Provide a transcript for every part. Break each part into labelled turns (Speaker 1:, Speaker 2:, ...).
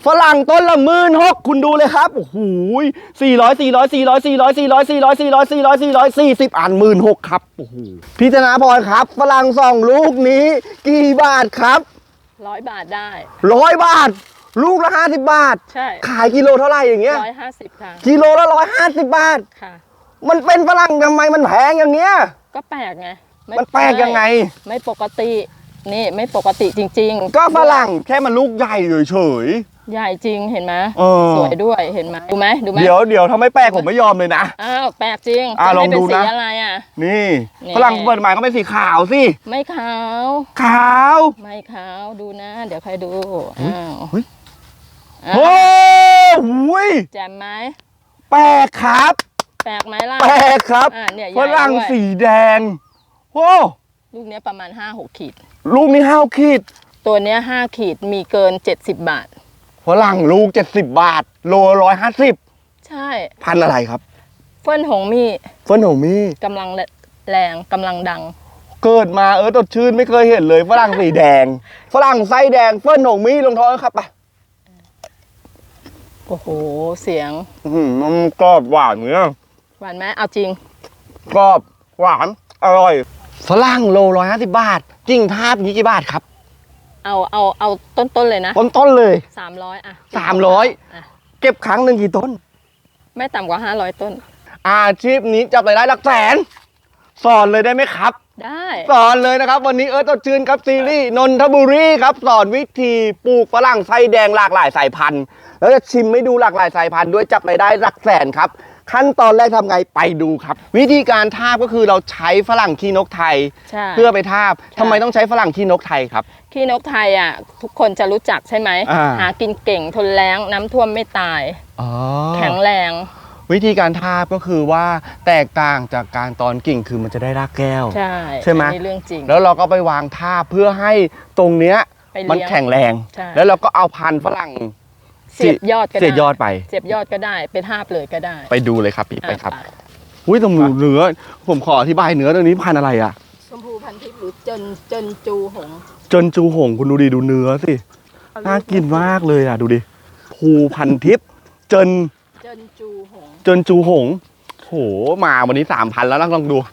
Speaker 1: ฝรั่งต้นละ16,000คุณดูเลยครับโอ้โห440 อัน16,000ครับโอ้โหพี่ธนาพรครับฝรั่ง2ลูกนี้กี่บาทครับ
Speaker 2: 100 บาทได้
Speaker 1: 100 บาทลูกละ50 บาท
Speaker 2: ใช่
Speaker 1: ขายกิโลเท่าไหร่อย่างเงี้ย
Speaker 2: 150ค่ะ
Speaker 1: กิโลละ150 บาท
Speaker 2: ค่ะ
Speaker 1: มันเป็นฝรั่งทำไมมันแพงอย่างเงี้ย
Speaker 2: ก็แปลกไง
Speaker 1: มันแปลกยังไง
Speaker 2: ไม่ปกตินี่ไม่ปกติจริงๆ
Speaker 1: ก็ฝรั่งแค่มันลูกใหญ่เฉย
Speaker 2: ใหญ่จริงเห็นไหมสวยด้วยเห็นไหมดูไหม
Speaker 1: เดี๋ยวถ้าไม่แปลกผมไม่ยอมเลยนะ
Speaker 2: อ้าวแปลกจริง
Speaker 1: ลองดูนะ
Speaker 2: สีอะไรอ่ะ
Speaker 1: นี่ฝรั่งเปิดมาก็เป็นสีขาวสิ
Speaker 2: ไม่ขาวไม่ขาวดูนะเดี๋ยวใครดู
Speaker 1: โอ้โห
Speaker 2: แจ่มไหม
Speaker 1: แปลกครับ
Speaker 2: แปลกไหมล่ะ
Speaker 1: แปลกครับฝรั่งสีแดงโอ้
Speaker 2: ลูกนี้ประมาณ 5-6 ขีด
Speaker 1: ลูกนี้5 ขีด
Speaker 2: ตัวนี้5 ขีดมีเกิน70 บาท
Speaker 1: ฝรั่งลูก70 บาทโล150
Speaker 2: ใช่
Speaker 1: พันอะไรครับ
Speaker 2: เฟิ่นหงมี่กำลังแรงกำลังดัง
Speaker 1: เกิดมาตดชื่นไม่เคยเห็นเลยฝรั่งสีแดงฝรั่งไส้แดงเฟิ่นหงมี่ลงท้องครับไป
Speaker 2: โอ้โหเสียง
Speaker 1: มันกรอบหวานเนี้ย
Speaker 2: หวานไหมเอาจริง
Speaker 1: กรอบหวานอร่อยฝรั่งโล150 บาทกิ่งทาบนี้กี่บาทครับ
Speaker 2: เอาต้นเลยนะ
Speaker 1: ต้นเลย
Speaker 2: 300อ่ะ
Speaker 1: 300เก็บครั้งหนึ่งกี่ต้น
Speaker 2: ไม่ต่ำกว่า500 ต้น
Speaker 1: อาชีพนี้จับรายได้หลักแสนสอนเลยได้ไหมครับ
Speaker 2: ได้
Speaker 1: สอนเลยนะครับวันนี้ตดชื่นครับซีรีส์นนทบุรีครับสอนวิธีปลูกฝรั่งไส้แดงหลากหลายสายพันธุ์แล้วจะชิมให้ดูหลากหลายสายพันธุ์ด้วยจับรายได้หลักแสนครับขั้นตอนแรกทำไงไปดูครับวิธีการทาบก็คือเราใช้ฝรั่งขี้นกไทยเพื่อไปทาบทำไมต้องใช้ฝรั่งขี้นกไทยครับ
Speaker 2: ขี้นกไทยอ่ะทุกคนจะรู้จักใช่ไหมหากินเก่งทนแล้งน้ำท่วมไม่ตายแข็งแรง
Speaker 1: วิธีการทาบก็คือว่าแตกต่างจากการตอนกิ่งคือมันจะได้รากแก้วใช่ไหม
Speaker 2: เรื่องจริง
Speaker 1: แล้วเราก็ไปวางทาบเพื่อให้ตรงเนี้ยมันแข็งแรงแล้วเราก็เอาพันธุ์ฝรั่ง
Speaker 2: เสียบยอดก็ได้
Speaker 1: เสียบยอดไป
Speaker 2: เสียบยอดก็ได้เป็นทาบเลยก็ได้
Speaker 1: ไปดูเลยครับพี่ไปครับตรงเนื้อผมขออธิบายเนื้อตรงนี้พันธุ์อะไรอ่ะ
Speaker 2: ชมพูพันทิพย์หรือเจนจูหง
Speaker 1: คุณดูดิดูเนื้อสิน่ากินมากเลยอ่ะดูดิภูพันทิพย์เจนจูหงโหมาวันนี้3,000แล้วนะลองดู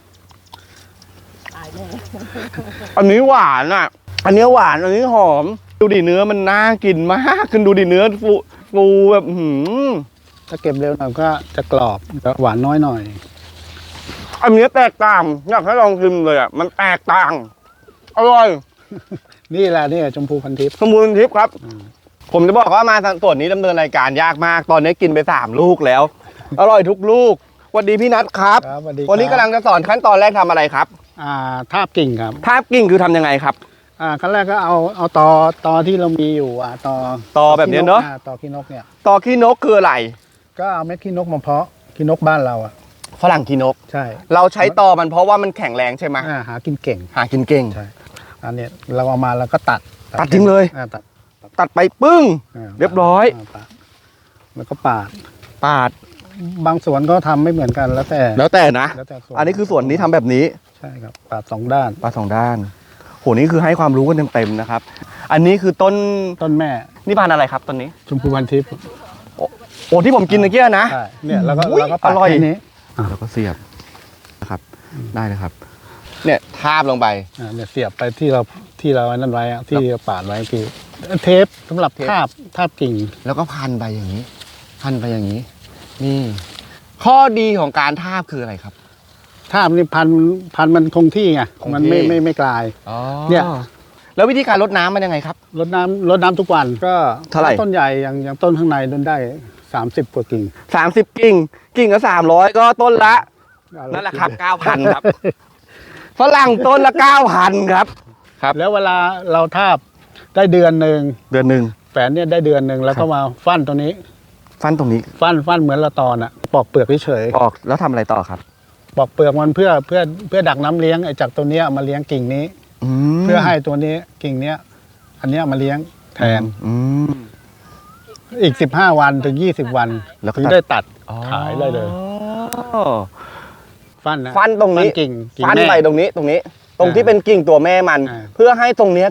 Speaker 1: อันนี้หวานอ่ะอันนี้หวานอันนี้หอมดูดิเนื้อมันน่ากินมากคุณดูดิเนื้อฟูแบบ
Speaker 3: ถ้าเก็บเร็วหน่อยก็จะกรอบหวานน้อยหน่อย
Speaker 1: อันนี้แตกต่างอยากให้ลองชิมเลยอ่ะมันแตกต่างอร่อย
Speaker 3: นี่แหละนี่ชมพูพันทิพย์
Speaker 1: ครับผมจะบอกว่ามาส่วนนี้ดำเนินรายการยากมากตอนนี้กินไป3 ลูกแล้วอร่อยทุกลูกสวัสดีพี่นัทครับวันนี้กำลังจะสอนขั้นตอนแรกทำอะไรครับ
Speaker 3: ทาบกิ่งครับ
Speaker 1: ทาบกิ่งคือทำยังไงครับ
Speaker 3: ขั้นแรกก็เอาตอที่เรามีอยู่
Speaker 1: ตอแบบนี้เนาะ
Speaker 3: ตอขี้นกเนี่ย
Speaker 1: ตอขี้นกคืออะไร
Speaker 3: ก็เอาเม็ดขี้นกมาเพาะขี้นกบ้านเรา
Speaker 1: ฝรั่งขี้นก
Speaker 3: ใช่
Speaker 1: เราใช้ตอมันเพราะว่ามันแข็งแรงใช่ไหม
Speaker 3: หากินเก่ง
Speaker 1: ใ
Speaker 3: ช่อันนี้เราเอามาแล้วก็ตัด
Speaker 1: ทิ้งเลยตัดไปปึ้งเรียบร้อย
Speaker 3: แล้วก็ปาด บางสวนก็ทำไม่เหมือนกันแล้วแต่
Speaker 1: นะอันนี้คือส่วนนี้ทำแบบนี้
Speaker 3: ใช่ครับปาด2 ด้าน
Speaker 1: โหนี่คือให้ความรู้กันเต็มๆนะครับอันนี้คือต้น
Speaker 3: แม่
Speaker 1: นี่พันธุ์อะไรครับต้นนี้
Speaker 3: ชมพูพันทิพย์
Speaker 1: โอ้ที่ผมกินเมื่อกี้นะ
Speaker 3: เนี่ยแล้วก็
Speaker 1: อร่อยนี้แล้วก็เสียบนะครับได้เลยครับเนี่ยทาบลงไป
Speaker 3: เนี่ยเสียบไปที่เรานั่นไว้ที่ปาดไว้คือเทปสำหรับทาบกิ่ง
Speaker 1: แล้วก็พันไปอย่างนี้นี่ข้อดีของการทาบคืออะไรครับ
Speaker 3: ทาบนี่พันมันคงที่ไงมันไม่กลาย
Speaker 1: เนี่ยแล้ววิธีการรดน้ำมันยังไงครับ
Speaker 3: รดน้ำทุกวันก็
Speaker 1: เท่าไหร่
Speaker 3: ต้นใหญ่อย่างต้นข้างในต้นได้30 กว่ากิ่ง
Speaker 1: 30 กิ่งก็300ก็ต้นละนั่นแหละครับ 9,000 ครับฝรั่งต้นละ 9,000 ครับ
Speaker 3: แล้วเวลาเราทาบได้เดือนหนึ่งแฝนเนี่ยได้เดือนหนึ่งแล้วก็มาฟันตรงนี้
Speaker 1: ฟัน
Speaker 3: เหมือนละตอนปอกเปลือกเฉย
Speaker 1: ปอกแล้วทำอะไรต่อครับ
Speaker 3: ปอกเปลือกมันเพื่อดักน้ำเลี้ยงจากตัวนี้มาเลี้ยงกิ่งนี้เพื่อให้ตัวนี้กิ่งนี้อันนี้มาเลี้ยงแทนอีก15 วันถึง20 วันถึงได้ตัดขายได้เลย
Speaker 1: ฟันตรงนี้กิ่งฟันไปตรงนี้ตรงที่เป็นกิ่งตัวแม่มันเพื่อให้ตรงนี้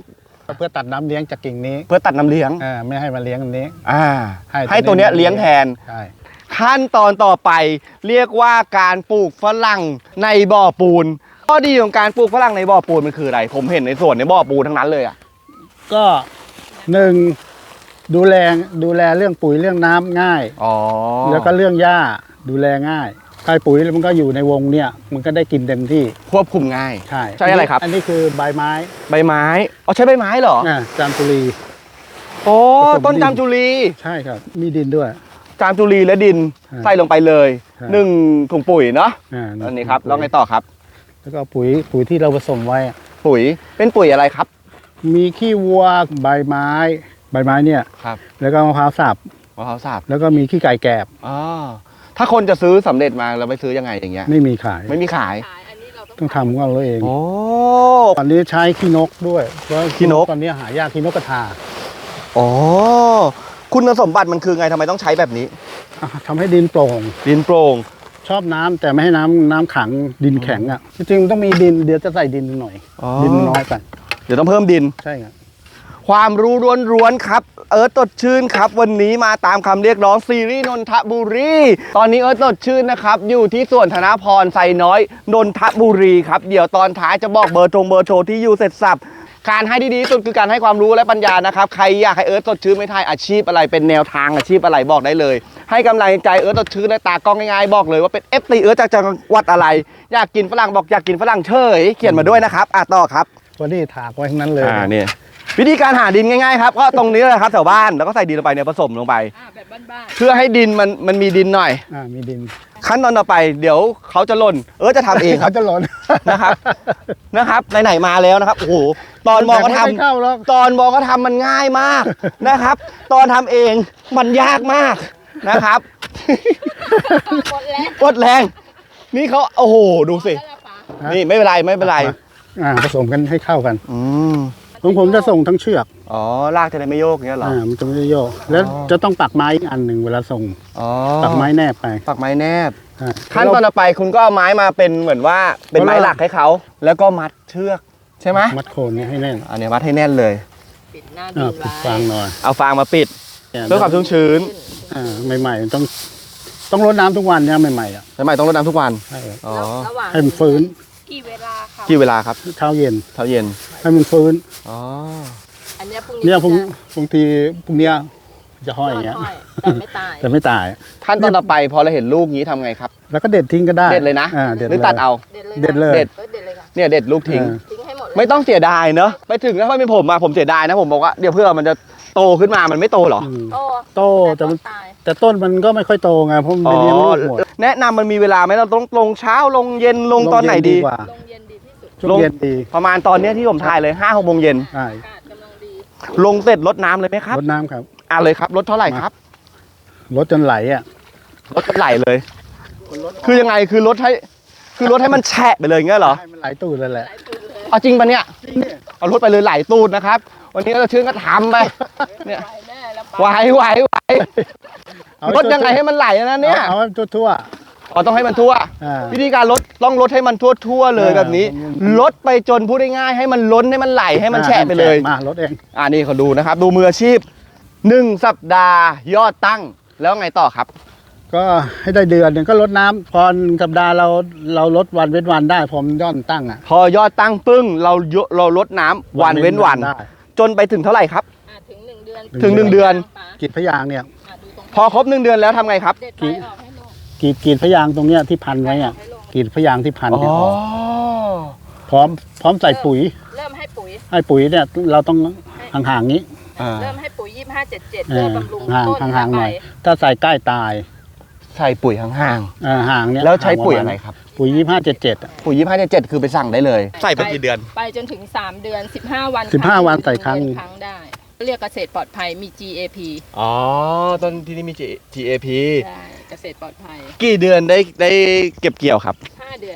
Speaker 3: เพื่อตัดน้ำเลี้ยงจากกิ่งนี้
Speaker 1: เพื่อตัดน้ำเลี้ยง
Speaker 3: ไม่ให้มาเลี้ยงอันนี้
Speaker 1: ให้ตัวเนี้ยเลี้ยงแทน
Speaker 3: ใช่
Speaker 1: ขั้นตอนต่อไปเรียกว่าการปลูกฝรั่งในบ่อปูนข้อดีของการปลูกฝรั่งในบ่อปูนมันคืออะไรผมเห็นในสวนในบ่อปูนทั้งนั้นเลยอ่ะ
Speaker 3: ก็หนึ่งดูแลเรื่องปุ๋ยเรื่องน้ำง่าย
Speaker 1: อ๋อ
Speaker 3: แล้วก็เรื่องหญ้าดูแลง่ายใช้ปุ๋ยมันก็อยู่ในวงเนี่ยมันก็ได้กินเต็มที่
Speaker 1: ควบคุมง่าย
Speaker 3: ใช่
Speaker 1: ใช่อะไรครับ
Speaker 3: อันนี้คือใบไม้
Speaker 1: ใบไม้อ๋อใช้ใบไม้เหรอ
Speaker 3: จามจุลี
Speaker 1: โอ้
Speaker 3: ผสมดิน
Speaker 1: ต้นจามจุลี
Speaker 3: ใช่ครับมีดินด้วย
Speaker 1: จามจุลีและดิน
Speaker 3: อ่า
Speaker 1: ใส่ลงไปเลย
Speaker 3: ใช่
Speaker 1: 1 ถุงปุ๋ยเนาะ อันนี้ครับแล้วไงต่อครับ
Speaker 3: แล้วก็ปุ๋ยที่เราผสมไว้อะ
Speaker 1: ปุ๋ยเป็นปุ๋ยอะไรครับ
Speaker 3: มีขี้วัวใบไม้เนี่ย
Speaker 1: ครับ
Speaker 3: แล้วก็มะพร้าวสับ
Speaker 1: มะพร้าวสับ
Speaker 3: แล้วก็มีขี้ไก่แกบ
Speaker 1: อ๋อถ้าคนจะซื้อสำเร็จมาเราไปซื้อยังไงอย่างเงี้ย
Speaker 3: ไม่มีขาย
Speaker 1: ไม่มีขาย
Speaker 2: อันนี้เรา
Speaker 3: ต้องทำของเราเอง
Speaker 1: โอ้
Speaker 3: ตอนนี้ใช้ขี้นกด้วยเพราะ
Speaker 1: ขี้นก
Speaker 3: ตอนนี้หายากขี้นกกระทา
Speaker 1: อ๋อคุณสมบัติมันคือไงทำไมต้องใช้แบบนี้
Speaker 3: ทำให้ดินโปร่ง
Speaker 1: ดินโปร่ง
Speaker 3: ชอบน้ำแต่ไม่ให้น้ำขังดินแข็งอ่ะจริงๆมันต้องมีดินเดี๋ยวจะใส่ดินหน่อย
Speaker 1: อ๋อ
Speaker 3: ดินมันน้อยไป
Speaker 1: เดี๋ยวต้องเพิ่มดิน
Speaker 3: ใช่ครับ
Speaker 1: ความรู้ล้วนๆครับ เอิร์ธสดชื่นครับ วันนี้มาตามคำเรียกร้องซีรีส์นนทบุรี ตอนนี้เอิร์ธสดชื่นนะครับ อยู่ที่สวนธนพรไซน้อยนนทบุรีครับ เดี๋ยวตอนท้ายจะบอกเบอร์โทรที่อยู่เสร็จสับ การให้ที่ดีที่สุดคือการให้ความรู้และปัญญานะครับ ใครอยากให้เอิร์ธสดชื่นไม่ทายอาชีพอะไรเป็นแนวทางอาชีพอะไรบอกได้เลย ให้กำลังใจเอิร์ธสดชื่นและตากล้องง่ายๆบอกเลยว่าเป็น FC เอิร์ธจากจังหวัดอะไร อยากกินฝรั่งบอกอยากกินฝรั่งเฉยเขียนมาด้วยนะครับต่อครับ
Speaker 3: วันนี้ถากไว้ทั้งนั้นเลย
Speaker 1: นี่วิธีการหาดินง่ายๆครับก็ตรงนี้เลยครับแถวบ้านแล้วก็ใส่ดินลงไปเนี่ยผสมลงไป
Speaker 2: แบบบ้าน
Speaker 1: เพื่อให้ดินมันมีดินหน่อย
Speaker 3: มีดิน
Speaker 1: ขั้นตอนต่อไปเดี๋ยวเขาจะหล่นจะทำเองค
Speaker 3: เขา
Speaker 1: รับ
Speaker 3: จะหล่น
Speaker 1: นะครับไหนๆมาแล้วนะครับโอ้โหตอนมองก็ท
Speaker 3: ไม่เข้าหรอก
Speaker 1: ำตอนมองก็ทำมันง่ายมากนะครับ ตอนทำเองมันยากมากนะครับ
Speaker 2: ๆหมดแล้ว
Speaker 1: กดแรงนี่เขาโอ้โหดูสิ
Speaker 2: แล้วล่ะป๋า
Speaker 1: นี่ไม่เป็นไรไม่เป็นไร
Speaker 3: ผสมกันให้เข้ากัน
Speaker 1: อืม
Speaker 3: ของผมจะส่งทั้งเชือก
Speaker 1: อ๋อลากจะได้ไม่โยกอย่างเงี้ยเหรอ
Speaker 3: มันจะไม่ได้โยกแล้วจะต้องปักไม้อีกอันหนึ่งเวลาส่ง
Speaker 1: อ๋อ
Speaker 3: ปักไม้แนบไป
Speaker 1: ปักไม้แนบ
Speaker 3: อ่า
Speaker 1: ขั้นตอนต่อไปคุณก็เอาไม้มาเป็นเหมือนว่าเป็นไม้หลักให้เขาแล้วก็มัดเชือกใช่ไหม
Speaker 3: มัดโคนนี้ให้แน่น
Speaker 1: อันนี้มัดให้แน่นเลย
Speaker 2: ปิดหน้าดิน
Speaker 3: ปิด
Speaker 2: ไว้
Speaker 3: ฟางหน่อย
Speaker 1: เอาฟางมาปิดเพื่อความชุ่มชื้น
Speaker 3: ใหม่ๆต้องรดน้ำทุกวันเนี่ยใหม่ๆอ่ะ
Speaker 1: ใช่ไหมต้องรดน้ำทุกวัน
Speaker 3: ใช่ครับ
Speaker 1: อ๋อ
Speaker 2: ระหว่าง
Speaker 3: ให้มันฟื้น
Speaker 2: กี่เวลาคะ
Speaker 1: กี่เวลาครับ
Speaker 3: เช้าเย็น
Speaker 1: เช้าเย็น
Speaker 3: ให้มันฟื้น
Speaker 1: อ๋อ
Speaker 2: อันเนี้ยพรุ่งนี้
Speaker 3: เนี่ยผม
Speaker 2: จะ
Speaker 3: บางทีพรุ่งเนี้ยจะห้อยอย่างเงี้ย
Speaker 2: ห้อยแต่ไม่ตาย
Speaker 3: แต่ไม่ตาย
Speaker 1: ขั้นตอนต่อไปพอเราเห็นลูกนี้ทำไงครับ
Speaker 3: แล้วก็เด็ดทิ้งก็ได้
Speaker 1: เด็ดเลยนะ
Speaker 3: เด็ด
Speaker 1: หรือตัดเอา
Speaker 2: เด็ดเลย
Speaker 3: เด็ดเลย
Speaker 2: เด็ดเลยค่ะ
Speaker 1: เนี่ยเด็ดลูกทิ้ง
Speaker 2: ทิ้งให้หมดเลย
Speaker 1: ไม่ต้องเสียดายเนอะไปถึงถ้าเป็นผมอะผมเสียดายนะผมบอกว่าเดี๋ยวเพื่อมันจะโตขึ้นมามันไม่โตเหรอ
Speaker 2: โต
Speaker 3: โตแต่มัน
Speaker 2: ตาย
Speaker 3: แต่ต้นมันก็ไม่ค่อยโตไงเพราะมันไปเลี้ยงลูกหมด
Speaker 1: แนะนำมันมีเวลาไหมเราต้องลงเช้าลงเย็นลงตอนไหนดี
Speaker 3: กว่า
Speaker 2: ลงเย็นดีที่สุด
Speaker 3: ช่วงเย็นดี
Speaker 1: ประมาณตอนเนี้ยที่ผมถ่ายเลย5-6 โมงเย็น
Speaker 3: ใช่
Speaker 2: อากาศกำลังดี
Speaker 1: ลงเสร็จรดน้ำเลยไหมครับ
Speaker 3: รดน้ำครับ
Speaker 1: เลยครับรดเท่าไหร่ครับ
Speaker 3: รดจนไหลอ่ะ
Speaker 1: รถไหลเลย คือยังไง คือรถให้มันแฉะไปเลยอย่างเงี้ยเหรอ
Speaker 3: ให้มันไหลตูดเลยแหละ
Speaker 2: หลายตัวเลย
Speaker 1: เอาจริงปะเนี่ย เอารถไปเลยไหลตูดนะครับ วันนี้ก็ชื่นก็ทำไป เนี่ย
Speaker 2: ไปแน่แล้วป๋า
Speaker 1: ไหว
Speaker 3: เอา
Speaker 1: รถยังไงให้มันไหลนะเนี่ย
Speaker 3: เอาให้ทั่ว
Speaker 1: อ๋อต้องให้มันทั่ว
Speaker 3: ๆ
Speaker 1: วิธีการลดต้องลดให้มันทั่วเลยแบบนี้ ลดไปจนพูดได้ง่ายให้มันล้นให้มันไหลให้มันแฉะไปเลย
Speaker 3: มารถเอง
Speaker 1: นี่เขาดูนะครับ ดูมืออาชีพ1 สัปดาห์ยอดตั้ง แล้วไงต่อครับ
Speaker 3: ก็ให้ได้เดือนหนึ่งก็ลดน้ำพอสัปดาห์เราลดวันเว้นวันได้พอมันย่อนตั้งอ่ะ
Speaker 1: พอยอดตั้งปึ้งเราลดน้ำวันเว้นวัน
Speaker 3: ได้
Speaker 1: จนไปถึงเท่าไหร่ครับ
Speaker 2: ถึง1 เดือน
Speaker 1: ถึง1 เดือน
Speaker 2: ป๋า
Speaker 3: กีดพยางค์เนี่ย
Speaker 2: ดูตรง
Speaker 1: พอครบ1 เดือนแล้วทำไงครับ
Speaker 2: เด็ดไปออกให้ลง
Speaker 3: กีดพยางค์ตรงเนี้ยที่พันไว้อ่ะ
Speaker 2: ให้ลง
Speaker 3: กีดพยางค์ที่พัน
Speaker 1: อ๋อ
Speaker 3: เนี่ยออกพร้อมใส่ปุ๋ย
Speaker 2: เริ่มให้ปุ๋ย
Speaker 3: ให้ปุ๋ยเนี่ยเราต้องห่างๆนี้
Speaker 2: เริ่มให้ปุ๋ย2577เพื่อบำรุง
Speaker 3: ห่าง
Speaker 2: ต้น
Speaker 3: ห่างๆหน่อย
Speaker 2: ใบ
Speaker 3: ถ้าใส่ใกล้ตาย
Speaker 1: ใส่ปุ๋ยห่าง
Speaker 3: ห่างเนี่ย
Speaker 1: ๆแล้วใช้ปุ๋ยอะไรครับ
Speaker 3: ปุ๋ย2577
Speaker 1: ปุ๋ย2577คือไปสั่งได้เลย ใส่ไปกี่เดือน
Speaker 2: ไปจนถึง3 เดือน15 วัน
Speaker 3: 15 วันใส่ครั้ง
Speaker 2: ครั้งได้ เรียกเกษตรปลอดภัยมี GAP
Speaker 1: อ๋อต้นที่นี่มี GAP
Speaker 2: ได้เกษตรปลอดภัย
Speaker 1: กี่เดือนได้เก็บเกี่ยวครับ
Speaker 2: 5 เดือน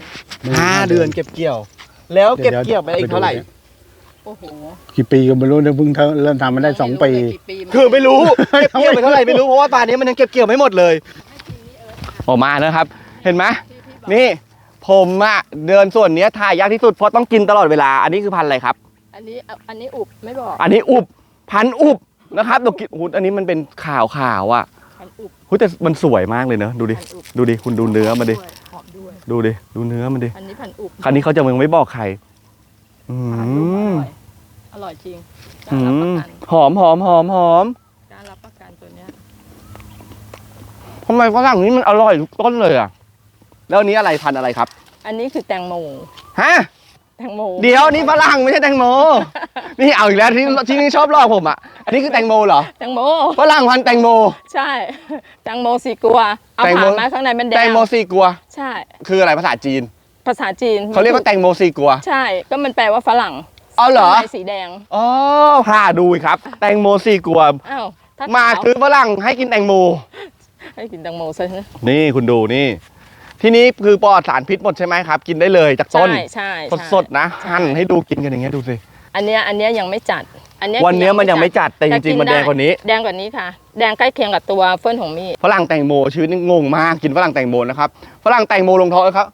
Speaker 1: 5 เดือนเก็บเกี่ยว แล้วเก็บเกี่ยวไปอีกเท่าไหร่
Speaker 2: โอ้โห
Speaker 3: กี่ปีก็ไม่รู้เนี่ยเพิ่งเริ่มทำมาได้2 ปี
Speaker 2: กี่ปี
Speaker 1: คือไม่รู้ เก็บเกี่ยวไปเท่าไหร่ไม่รู้เพราะว่าป่านนี้มันยังเก็บเกี่ยวไม่หมดเลยออกมานะครับ เห็นไหมนี่ผมเดินส่วนนี้ถ่ายยากที่สุดเพราะต้องกินตลอดเวลา อันนี้คือพันธุ์อะไรครับ
Speaker 2: ออันนี้อุบไม่บอก
Speaker 1: อันนี้อุบพันอุบนะครับดูกินอันนี้มันเป็นขาวอ่ะ
Speaker 2: พันอุบ
Speaker 1: แต่มันสวยมากเลยเนอะดูดิ
Speaker 2: พันอุบ
Speaker 1: ดูดิคุณดูเนื้อมันดิ
Speaker 2: หอมด้วย
Speaker 1: ดูดิดูเนื้อมันดิ
Speaker 2: อันนี้พันอุบ
Speaker 1: คราวนี้เขาจะมึงไม่บอกใครอื
Speaker 2: พันอุบ
Speaker 1: ม
Speaker 2: อร่อยจริงก
Speaker 1: อื
Speaker 2: ล้ารับป
Speaker 1: ม
Speaker 2: ระกัน
Speaker 1: หอมหอมหอมหอม
Speaker 2: กล้ารับประกันตัวเนี้ย
Speaker 1: ทำไมฝรั่งนี้มันอร่อยทุกต้นเลยอ่ะแล้วอันนี้อะไรพันธุ์อะไรครับ
Speaker 2: อันนี้คือแตงโม
Speaker 1: ฮะ
Speaker 2: แตงโม
Speaker 1: เดี๋ยวนี่ฝรั่งไม่ใช่แตงโม นี่เอาอีกแล้วที่นี่ชอบลอกผมอ่ะ อันนี้คือแตงโมเหรอ
Speaker 2: แตงโม
Speaker 1: ฝรั่งพันธุ์แตงโม
Speaker 2: ใช่ แตงโมสีกัว เอา
Speaker 1: แตงโม
Speaker 2: ผ่านมาข้างในมันแดง
Speaker 1: แตงโมซีกัว
Speaker 2: ใช่
Speaker 1: คืออะไรภาษาจีน
Speaker 2: ภาษาจีน
Speaker 1: เขาเรียกว่าแตงโมซีกัว
Speaker 2: ใช่ ก็มันแปลว่าฝรั่ง
Speaker 1: เอาเหรอ
Speaker 2: ข้างในสีแดง
Speaker 1: อ๋อพาดูอีกครับ แตงโมซีกัว
Speaker 2: อ้าวถ้
Speaker 1: มา
Speaker 2: ขว
Speaker 1: คือฝรั่งให้กินแตงโม
Speaker 2: ให้กินแตงโมซะนะ
Speaker 1: นี่คุณดูนี่ ที่นี้คือปลอดสารพิษหมดใช่ไหมครับ กินได้เลยจากต้น
Speaker 2: ใช่ใช่
Speaker 1: สดๆนะหั่นให้ดูกินกันอย่างเงี้ยดูสิ
Speaker 2: อันเนี้ยยังไม่จัด อันเนี้ย
Speaker 1: วันเนี้ยมันยังไม่จัดแต่จริงๆมันแดงกว่านี้
Speaker 2: แดงกว่านี้ค่ะ แดงใกล้เคียงกับตัวเฟิร์นของมี่
Speaker 1: ฝรั่งแตงโมชีวิตนี่งงมากกินฝรั่งแตงโมนะครับฝรั่งแตงโมลงท้องครับ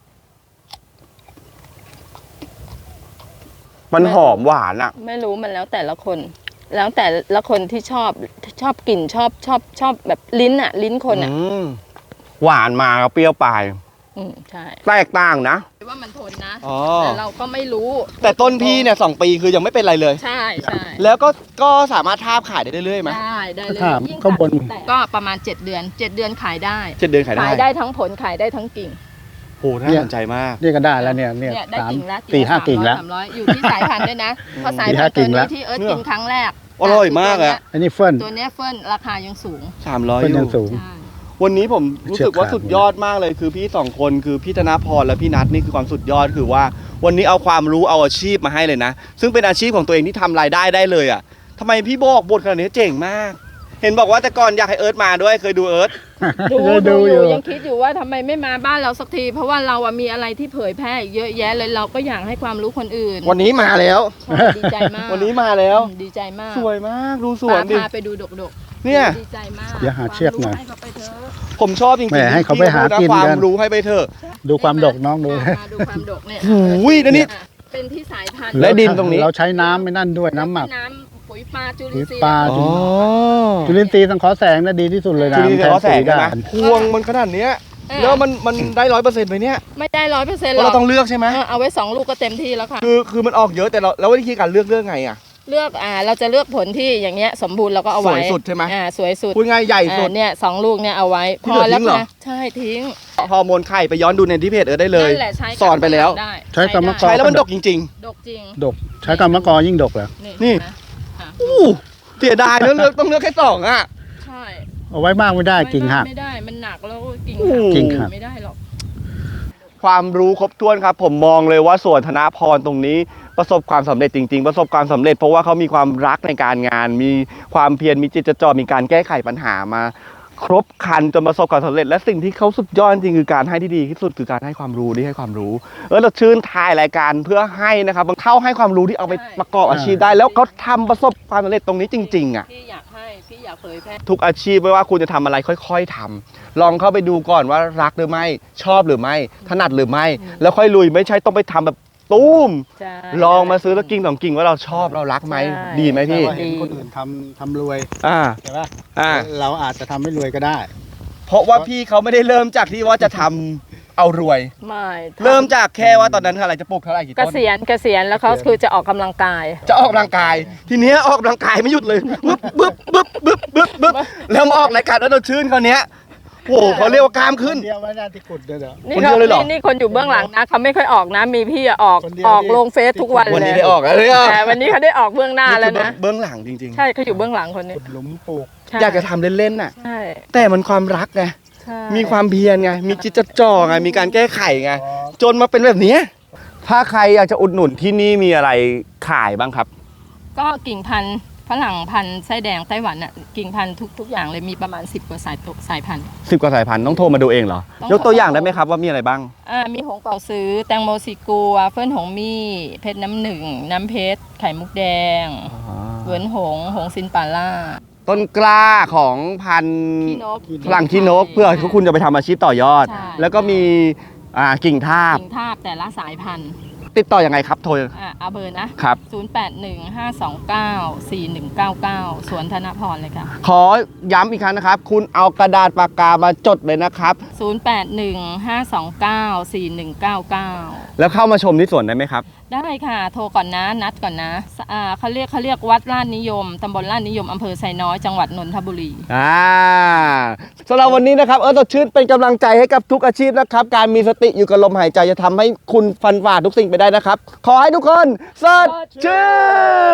Speaker 1: มันหอมหวานอ่ะ
Speaker 2: ไม่รู้มันแล้วแต่ละคน แล้วแต่ละคนที่ชอบกลิ่นชอบแบบลิ้นอ่ะ ลิ้นคนอ่ะ
Speaker 1: หวานมาเปรี้ยวปลาย
Speaker 2: ใช่
Speaker 1: แตกต่างนะ
Speaker 2: ว่ามันทนนะ
Speaker 1: อ๋อ
Speaker 2: แต่เราก็ไม่รู้
Speaker 1: แต่ต้นพี่เนี่ย2 ปีคือยังไม่เป็นไรเลย
Speaker 2: ใช่ใช่
Speaker 1: แล้วก็สามารถทาบขายได้เรื่อยๆไหม
Speaker 2: ได้เลย
Speaker 3: ถาม
Speaker 2: ยิ่ง
Speaker 3: ข้างบน
Speaker 2: แต่ก็ประมาณ7 เดือน 7 เดือนขายได้
Speaker 1: 7 เดือนขายได้
Speaker 2: ขายได้ทั้งผลขายได้ทั้งกิ่ง
Speaker 1: โหน่าสนใจมาก
Speaker 3: นี่ก็ได้แล้วเนี่ย
Speaker 2: ได้
Speaker 3: สาม
Speaker 2: กิ่งละ
Speaker 3: 4-5 กิ่งแล้ว
Speaker 2: 300อยู่ที่สายพันธุ์ด้วยนะเพราะสาย
Speaker 3: 4-5
Speaker 2: พันธุ์ตัว
Speaker 3: กิ่งแล้
Speaker 2: นี้
Speaker 3: ว
Speaker 2: ที่เอิร์ธกินครั้งแรก
Speaker 1: อร่อยมากอะ
Speaker 3: อันนี้เฟิร์น
Speaker 2: ตัวเนี้ยเฟิร์นราคายังสูง
Speaker 1: 300
Speaker 3: เฟิร์น
Speaker 1: อ
Speaker 3: ยัง
Speaker 1: ยู่
Speaker 3: สูง
Speaker 2: ใช่
Speaker 1: วันนี้ผมรู้สึกว่า
Speaker 3: เชือกขาด
Speaker 1: สุดยอดมากเลยคือพี่2 คนคือพี่ธนพรและพี่นัทนี่คือความสุดยอดคือว่า วันนี้เอาความรู้เอาอาชีพมาให้เลยนะ ซึ่งเป็นอาชีพของตัวเองที่ทำรายได้ได้เลยอ่ะทำไมพี่บอกบทขนาดนี้เจ๋งมาก เห็นบอกว่าแต่ก่อนอยากให้เอิร์ธมาด้วยเคยดูเอิร์ธ
Speaker 2: ดูอยู่ยังคิดอยู่ว่าทำไมไม่มาบ้านเราสักที เพราะว่าเราอะมีอะไรที่เผยแพร่อีกเยอะแยะเลยเราก็อยากให้ความรู้คนอื่น
Speaker 1: วันนี้มาแล้ว
Speaker 2: ใช่ดีใจมาก
Speaker 1: วันนี้มาแล้ว
Speaker 2: ดีใจมาก
Speaker 1: สวยมากดูสวนดิ
Speaker 2: พาไปดูดก
Speaker 1: เนี่ย
Speaker 2: ดีใจมาก
Speaker 3: เดี๋ยวหาเชือกหน่อย
Speaker 2: ความรู้ให้เขาไปเถอะ
Speaker 1: ผมชอบจริง
Speaker 3: แหม
Speaker 1: ๆ
Speaker 3: ให้เขาไปหากิน
Speaker 1: ควา
Speaker 3: กั
Speaker 1: ม
Speaker 3: น
Speaker 1: รู้ให้ไปเถอะ
Speaker 3: ดูความดกน้องดู
Speaker 2: มาดูความดกเนี่ย
Speaker 1: โอ้ยแล้วนี่
Speaker 2: เป็นที่สายพันธุ์
Speaker 1: และดินตรงนี้
Speaker 3: เราใช้น้ำไม่นั่นด้วยน้ำหมัก
Speaker 2: น้ำปุ๋ยปลาจุลิ
Speaker 3: ปุ๋
Speaker 2: น
Speaker 3: ย
Speaker 2: ทรีย์
Speaker 3: ปลา
Speaker 1: อ๋อ
Speaker 3: จุลินทรีย์สังเคราะห์แสงน่ะดีที่สุดเลยนะ
Speaker 1: ทีนี้เดี๋ยวเขาแสง
Speaker 3: ได้
Speaker 1: ใช่ไหมพวงมันขนาดเนี้ยแล้วมันได้100%ไหมเนี่ย
Speaker 2: ไม่ได้100%ห
Speaker 1: เพ
Speaker 2: ร
Speaker 1: ราะ
Speaker 2: อก
Speaker 1: เราต้องเลือกใช่ไหม
Speaker 2: เอาไว้2 ลูกก็เต็มที่แล้วค่ะ
Speaker 1: คือมันออกเยอะแต่แล้ววิธีการเลือกไงอ่ะ
Speaker 2: เลือกเราจะเลือกผลที่อย่างเงี้ยสมบูรณ์เราก็เอาไว้
Speaker 1: สวยสุดใช่ไหม
Speaker 2: สวยสุด
Speaker 1: พูดง่ายใหญ่สุด
Speaker 2: เนี่ย2 ลูกเนี่ยเอาไว้
Speaker 1: ที่เหลือทิ้งเหรอ
Speaker 2: นะใช่ทิ้ง
Speaker 1: ฮอร์โมนไข่ไปย้อนดูในที่เพจเอิร์ธได้เลย
Speaker 2: นั่นแหละใช้กับ
Speaker 1: สอนไปแล้ว
Speaker 2: ได้
Speaker 3: ใช้กรรมกร
Speaker 1: ใช้แล้วมันดกจริง
Speaker 2: ดกจริง
Speaker 3: ดกใช้กรรมกรยิ่งดกเหรอ
Speaker 1: นี่
Speaker 2: เห็ไหมค่ะ
Speaker 1: ๆอู้เสียดายแล้วต้องเลือกแค่2อ่ะ
Speaker 2: ใช่
Speaker 3: เอาไว้มากไม่ได้กิ่งหัก
Speaker 2: ไม่ได้มันหนักแล้วกิ่ง
Speaker 1: โอ้โห
Speaker 3: กิ่งหัก
Speaker 2: ไม่ได้หรอก
Speaker 1: ความรู้ครบถ้วนครับ ผมมองเลยว่าสวนธนพรตรงนี้ประสบความสำเร็จจริง ๆ ประสบความสำเร็จเพราะว่าเขามีความรักในการงาน มีความเพียรมีจิตจดจ่อมีการแก้ไขปัญหามา ครบครันจนประสบความสำเร็จและสิ่งที่เขาสุดยอดจริงคือการให้ที่ดีที่สุดคือการให้ความรู้ที่ให้ความรู้เราชื่นทายรายการเพื่อให้นะครับเข้าให้ความรู้ที่เอาไปประกอบอาชีพได้ แล้วเขาทำประสบความสำเร็จตรงนี้จริงๆอ่ะ
Speaker 2: พี่อยากให้พี่อยากเผยแพร่
Speaker 1: ทุกอาชีพไม่ว่าคุณจะทำอะไรค่อยๆทำลองเข้าไปดูก่อนว่ารักหรือไม่ชอบหรือไม่ถนัดหรือไม่ แล้วค่อยลุยไม่ใช่ต้องไปทำแบบตุ้ม
Speaker 2: ใช่
Speaker 1: ลองมาซื้อแล้วกิ่ง2 กิ่งว่าเราชอบเรารักไหม
Speaker 2: ใช่
Speaker 1: ดีไหมพี่
Speaker 3: แต่ว่าเห็นคนอื่นทำรวย
Speaker 1: อ่า
Speaker 3: ใช่ปะ
Speaker 1: อ่า
Speaker 3: เราอาจจะทำไม่รวยก็ได้
Speaker 1: เพราะว่าพี่เขาไม่ได้เริ่มจากที่ว่าจะทำเอารวย
Speaker 2: ไม่
Speaker 1: เริ่มจากแค่ว่าตอนนั้นอะไรจะปลูกเท่าไหร่กี่
Speaker 2: เก
Speaker 1: ต้น
Speaker 2: ษียณแล้วเขาคือจะออกกำลังกาย
Speaker 1: จะออกกำลังกาย ทีเนี้ยออกกำลังกายไม่หยุดเลยบึ๊บบึ๊บบึ๊บบึ๊บบึ๊บบึ๊บแล้วมาออกรายการแล้วเราชื่นเขาวเนี้ยโอ้โหเขาเรียกว่ากล้ามขึ้น
Speaker 3: เดียวไม่ได้ที่กุดเด้อ
Speaker 2: นี่
Speaker 1: คนเดียวเลยเหรอ
Speaker 2: นี่คนอยู่เบื้องหลังนะเขาไม่ค่อยออกนะ มีพี่ออก
Speaker 3: คนเดียว
Speaker 2: ออก
Speaker 3: ที่
Speaker 2: ลงเฟซทุกวัน
Speaker 1: วัน
Speaker 2: เล
Speaker 1: นี้
Speaker 2: ย
Speaker 1: ได้ออกแล้วเนี่ย
Speaker 2: แต่วันนี้เขาได้ออกเบื้องหน้าแล้วนะ
Speaker 1: เบื้องหลังจริง
Speaker 2: ใช่เขาอยู่เบื้องหลังคนนี้
Speaker 3: ขุดหลุมปลูก
Speaker 2: ใช่
Speaker 1: ๆ อยากจะทำเล่นๆน่ะ
Speaker 2: ใช่
Speaker 1: แต่มันความรักไง
Speaker 2: ใช่
Speaker 1: มีความเพียรไงมีจิตจดจ่อไงมีการแก้ไขไงจนมาเป็นแบบเนี้ยถ้าใครอยากจะอุดหนุนที่นี่มีอะไรขายบ้างครับ
Speaker 2: ก็กิ่งพันธุ์ฝรั่งพันธุ์ไส้แดงไต้หวันอ่ะกิ่งพันธุ์ทุกอย่างเลยมีประมาณ10 กว่าสายพันธุ์
Speaker 1: 10 กว่าสายพันธุ์ต้องโทรมาดูเองเหรอ
Speaker 2: ต้อง
Speaker 1: ยกตัวอย่างได้ไหมครับว่ามีอะไรบ้าง
Speaker 2: มีหงเป่าซื้อแตงโมสีกัวเฟิ่นหงมี่เพชรน้ำหนึ่งน้ำเพชรไข่มุกแดงเหวินหงซินปาล่า
Speaker 1: ต้นกล้าของพันธุ์
Speaker 2: ขี้นก
Speaker 1: ฝรั่งขี้นกเพื่อคุณจะไปทำอาชีพต่อยอด
Speaker 2: ใช่
Speaker 1: แล้วก็มีกิ่งทาบ
Speaker 2: กิ่งทาบแต่ละสายพันธุ์
Speaker 1: ติดต่อยังไงครับโทร
Speaker 2: เอาเบอร์นะครับ 0815294199 สวนธนพรเลยค่ะ
Speaker 1: ขอย้ำอีกครั้งนะครับ คุณเอากระดาษปากกามาจดเลยนะครับ
Speaker 2: 0815294199
Speaker 1: แล้วเข้ามาชมที่สวนได้ไหมครับ
Speaker 2: ได้ค่ะ โทรก่อนนะ นัดก่อนนะเขาเรียกวัดลาดนิยม ตำบลลาดนิยม อำเภอไซน้อย จังหวัดนนทบุรี
Speaker 1: สำหรับวันนี้นะครับสดชื่นเป็นกำลังใจให้กับทุกอาชีพนะครับ การมีสติอยู่กับลมหายใจจะทำให้คุณฟันฝ่าทุกสิ่งไปได้นะครับ ขอให้ทุกคนสดชื่น